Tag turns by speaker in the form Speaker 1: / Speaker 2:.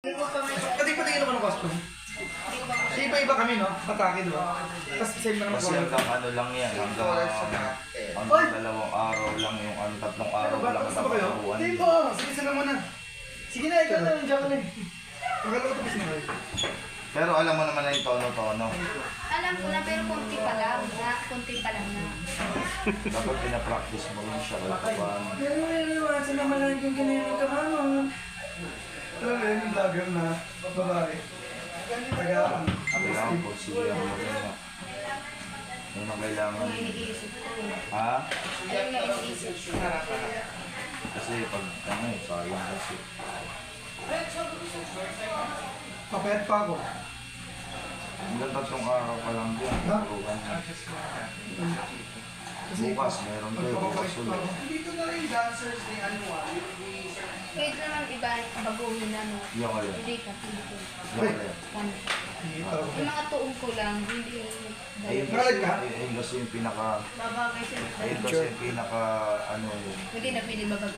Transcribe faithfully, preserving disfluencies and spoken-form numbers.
Speaker 1: Kasi patingin naman ng costume. Iba-iba kami, no? Atake, di ba? Tapos same lang
Speaker 2: Kasi hanggang ano lang yan, hanggang hanggang dalawang araw lang yung ano, tatlong araw lang ang
Speaker 1: Tapos ba kayo?
Speaker 2: tapuan.
Speaker 1: Hindi po. Sige sila muna. Sige na, ikaw na. Diyan ka na eh. Pagkala ko tapos na kayo.
Speaker 2: Pero alam mo naman na yung tono-tono.
Speaker 3: Alam ko na, pero konti pa lang. Na, konti pa lang na.
Speaker 2: Dapat pinapractice mo rin siya kahit paano.
Speaker 1: Pero iwasan naman lang yung kanilang kamamon. Alam mo yun, yung vlogger na babae. Taga,
Speaker 2: Kailangan po siya mo rin na. Yun ang kailangan.
Speaker 3: Yung iniisip ko.
Speaker 2: Ha?
Speaker 3: Ayun nga iniisip ko.
Speaker 2: Kasi pag ano eh, sayang kasi.
Speaker 1: papayat pa ako.
Speaker 2: Hanggang tatlong araw pa lang din. Turuan niya. Bukas, meron kayo. Bukas ulit.
Speaker 1: Dito na rin dancers ni ano ah.
Speaker 3: Kahit naman iba, baguhin na, no?
Speaker 2: Yung kayo.
Speaker 3: Hindi ka, hindi ko.
Speaker 2: Yung kayo.
Speaker 3: Ano? Yung mga tuong ko lang, hindi
Speaker 2: Ayun kasi, ayun kasi yung pinaka,
Speaker 3: babagay sila.
Speaker 2: ayun kasi yung pinaka, ano yun.
Speaker 3: Hindi na pwede babag.